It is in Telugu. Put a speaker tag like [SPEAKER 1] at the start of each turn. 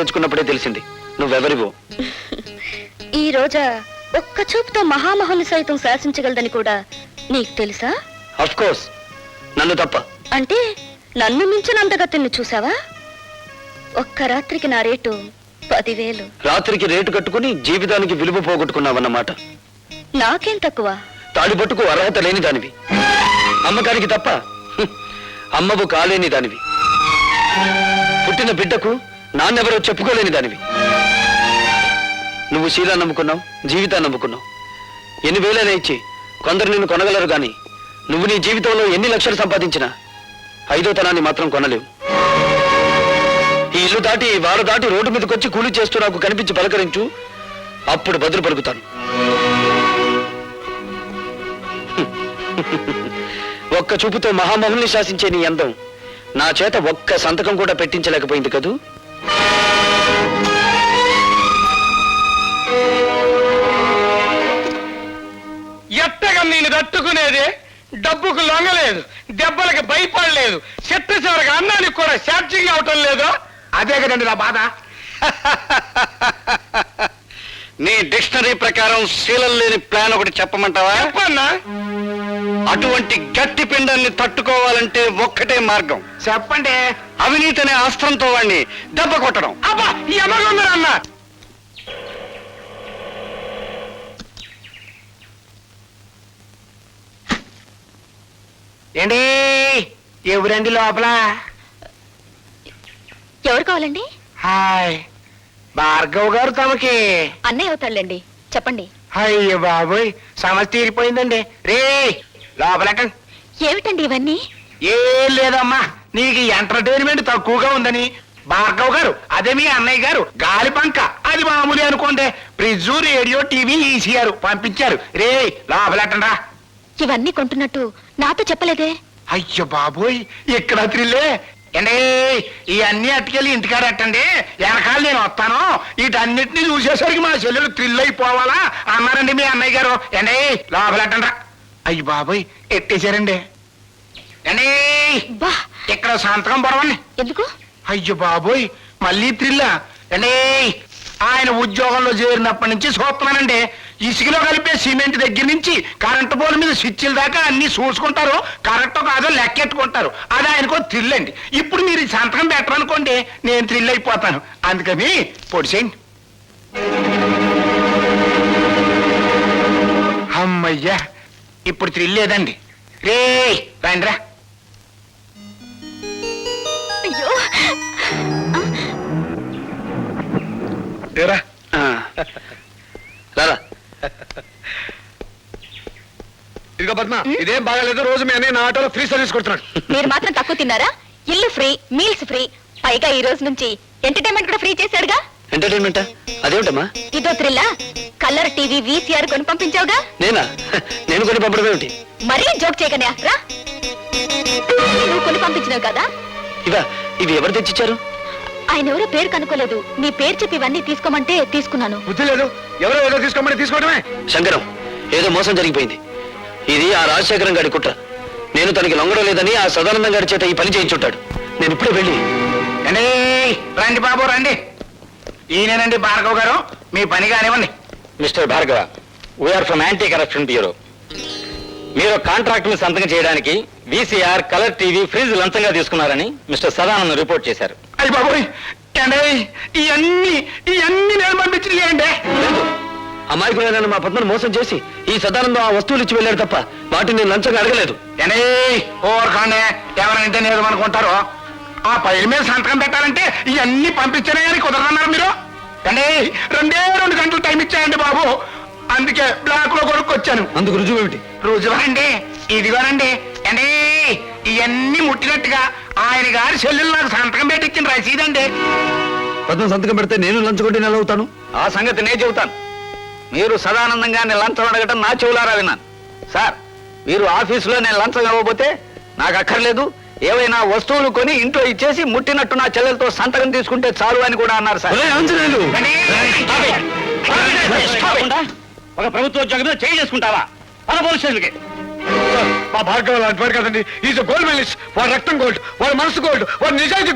[SPEAKER 1] తెచ్చుకున్నప్పుడే తెలిసింది నువ్వెవరివో.
[SPEAKER 2] ఈ రోజా ఒక్క చూపుతో మహామహుని సైతం శాసించగలదని కూడా నీకు తెలుసా?
[SPEAKER 1] ఆఫ్ కోర్స్, నన్ను తప్ప.
[SPEAKER 2] అంటే నన్ను మించిన అందగతిని చూసావా? ఒక్క రాత్రికి నా రేటు 10,000.
[SPEAKER 1] రాత్రికి రేటు కట్టుకుని జీవితానికి విలువ పోగొట్టుకున్నావన్నమాట.
[SPEAKER 2] నాకేం తక్కువ?
[SPEAKER 1] తాడిపట్టుకు అర్హత లేని దానివి, అమ్మకానికి తప్ప అమ్మవు కాలేని దానివి, పుట్టిన బిడ్డకు నాన్నెవరో చెప్పుకోలేని దానివి. నువ్వు శీలా నమ్ముకున్నావు, జీవితాన్ని నమ్ముకున్నావు. ఎన్ని వేలైనా ఇచ్చి కొందరు నిన్ను కొనగలరు గాని నువ్వు నీ జీవితంలో ఎన్ని లక్షలు సంపాదించినా 5వ తనాన్ని మాత్రం కొనలేవు. ఈ ఇల్లు దాటి వారు దాటి రోడ్డు మీదకి వచ్చి కూలి చేస్తూ నాకు కనిపించి పలకరించు, అప్పుడు బదులు పలుకుతాను. ఒక్క చూపుతో మహామహుల్ని శాసించే నీ అందం నా చేత ఒక్క సంతకం కూడా పెట్టించలేకపోయింది కదూ.
[SPEAKER 3] ఎట్టగా నేను తట్టుకునేదే, డబ్బుకు లొంగలేదు, దెబ్బలకు భయపడలేదు, చెట్ట చివరికి అన్నానికి కూడా ఛార్జింగ్ అవటం లేదు. అదే కదండి నా బాధ.
[SPEAKER 1] నీ డిక్షనరీ ప్రకారం శీలం లేని ప్లాన్ ఒకటి చెప్పమంటావా?
[SPEAKER 3] చెప్పన్నా.
[SPEAKER 1] అటువంటి గట్టి పిండాన్ని తట్టుకోవాలంటే ఒక్కటే మార్గం.
[SPEAKER 3] చెప్పండి.
[SPEAKER 1] అవినీతి అనే అస్త్రంతో వాడిని దెబ్బ కొట్టడం.
[SPEAKER 3] అబ్బా, ఈ అమ్మ ఏంటి ఎవరండి లోపల?
[SPEAKER 2] ఎవరు కావాలండి?
[SPEAKER 3] హాయ్, భార్గవ్ గారు తమకి
[SPEAKER 2] అన్నయ్య అవుతాళ్ళండి, చెప్పండి.
[SPEAKER 3] అయ్యో బాబోయ్, సమస్య తీరిపోయిందండి. రే లోపలెక్కండి.
[SPEAKER 2] ఏమిటండి ఇవన్నీ?
[SPEAKER 3] ఏం లేదమ్మా, నీకు ఎంటర్టైన్మెంట్ తక్కువగా ఉందని భార్గవ్ గారు, అదే మీ అన్నయ్య గారు గాలి పంక, అది మామూలు అనుకోండి, ఫ్రిడ్జ్, రేడియో, టీవీ, ఈసీఆర్ పంపించారు. రే లోపలెట్టండా.
[SPEAKER 2] ఇవన్నీ కొంటున్నట్టు నాతో చెప్పలేదే?
[SPEAKER 3] అయ్యో బాబోయ్, ఇక్కడ త్రిల్లే. ఏండి ఇవన్నీ అట్టుకెళ్ళి ఇంటికాడ ఎట్టండి, వెనకాల నేను వస్తాను, వీటన్నిటిని చూసేసరికి మా చెల్లెలు థ్రిల్ అయిపోవాలా అన్నారండి మీ అన్నయ్య గారు. ఏండి లోపలెట్టండా. అయ్యి బాబోయ్, ఎట్టేశారండి. ఏండి ఇక్కడ సంతకం పొడవండి.
[SPEAKER 2] ఎందుకు?
[SPEAKER 3] అయ్యో బాబోయ్, మళ్ళీ థ్రిల్లా. ఏండి ఆయన ఉద్యోగంలో చేరినప్పటి నుంచి చూస్తున్నానండి, ఇసుకలో కలిపే సిమెంట్ దగ్గర నుంచి కరెంటు పోల్ మీద స్విచ్ల దాకా అన్ని చూసుకుంటారు, కరెక్ట్ కాదో లెక్కెట్టుకుంటారు. అది ఆయనకో థ్రిల్ అండి. ఇప్పుడు మీరు సంతకం పెట్టరనుకోండి, నేను థ్రిల్ అయిపోతాను. అందుకని పొడిసేయండి. అమ్మయ్యా, ఇప్పుడు థ్రిల్ లేదండి. రే రండిరా.
[SPEAKER 2] అయ్యో,
[SPEAKER 1] రారా.
[SPEAKER 3] ఇదిగో పద్మ, ఇదేం బాగాలేదు. రోజు మీ అన్నయ్య నా ఆటోలో ఫ్రీ సర్వీస్ కొడుతున్నాడు.
[SPEAKER 2] మీరు మాత్రం తక్కువ తిన్నారా? ఇల్లు ఫ్రీ, మీల్స్ ఫ్రీ, పైగా ఈ రోజు నుంచి ఎంటర్టైన్మెంట్ కూడా ఫ్రీ చేశాడుగా.
[SPEAKER 1] ఎంటర్టైన్మెంటా? అదేమిటమ్మా?
[SPEAKER 2] ఇదో థ్రిల్లా. కలర్ టీవీ, వీసీఆర్ కొని పంపించావుగా.
[SPEAKER 1] నేనా? నేను కొని పంపడం ఏమిటి?
[SPEAKER 2] మరీ జోక్ చేయకనే రా. నువ్వు కొని పంపించినావు కదా.
[SPEAKER 1] ఇవి ఎవరు తెచ్చిచ్చారు?
[SPEAKER 2] ఆయన ఎవరో పేరు కనుక్కోలేదు, నీ పేరు చెప్పి ఇవన్నీ తీసుకోమంటే తీసుకున్నాను.
[SPEAKER 3] బుద్ధి లేదు, ఎవరో ఏదో తీసుకోమని తీసుకోవడమే.
[SPEAKER 1] శంకరం, ఏదో మోసం జరిగిపోయింది. ఇది ఆ రాజశేఖరం గారి కుట్ర. నేను తనకి లొంగడం లేదని ఆ సదానందం గారి చేత ఈ పని చేయించుంటాడు. నేను ఇప్పుడే వెళ్ళి.
[SPEAKER 3] రండి బాబు రండి. ఈయనేనండి భార్గవ్ గారు, మీ పని కానివ్వండి.
[SPEAKER 1] Mister Bhargava, we're from anti corruption bureau. మీరు కాంట్రాక్ట్ ని సంతకం చేయడానికి వీసీఆర్, కలర్ టీవీ, ఫ్రిడ్జ్ లంచంగా తీసుకున్నారని మిస్టర్ సదానందం రిపోర్ట్ చేశారు.
[SPEAKER 3] అయ్యి బాబోయ్, ఇవన్నీ నేను పంపించలేండి.
[SPEAKER 1] అమాయకులైన మా పద్మను మోసం చేసి ఈ సదానందం ఆ వస్తువులు ఇచ్చి వెళ్ళాడు తప్ప వాటిని నేను లంచంగా అడగలేదు.
[SPEAKER 3] ఓర్ఖాండే, ఎవరంటే నేను అనుకుంటారో. ఆ పైల మీద సంతకం పెట్టాలంటే ఇవన్నీ పంపించానే కానీ కుదరన్నారు మీరు. రెండే 2 గంటలు టైం ఇచ్చాయండి బాబు, అందుకే బ్లాక్ లో కొనుక్కొచ్చాను.
[SPEAKER 1] అందుకు రుజువు ఏమిటి?
[SPEAKER 3] రుజువండి ఇదిగోనండి. ఇవన్నీ ముట్టినట్టుగా ఆయన గారి చెల్లెలు నాకు సంతకం పెట్టించిన రసీదండి.
[SPEAKER 1] పద్మ సంతకం పెడితే నేను లంచగొట్టి నెల అవుతాను. ఆ సంగతి నేను చెబుతాను. మీరు సదానందంగానే లంచం అడగటం నా చెవులారా విన్నాను. సార్, మీరు ఆఫీసులో నేను లంచం ఇవ్వబోతే నాకు అక్కర్లేదు, ఏవైనా వస్తువులు కొని ఇంట్లో ఇచ్చేసి ముట్టినట్టు నా చెల్లెలతో సంతకం తీసుకుంటే చాలు అని కూడా అన్నారు సార్. ఒక ప్రభుత్వ ఉద్యోగం మీద చేయి చేసుకుంటావా? పోలీస్ స్టేషన్కి.
[SPEAKER 3] మా భార్గవ్ లాంటి వాడు కదండి. Is gold medalist. వాడు రక్తం గోల్డ్, వాడు మనసు గోల్డ్, వాడు నిజాయితీ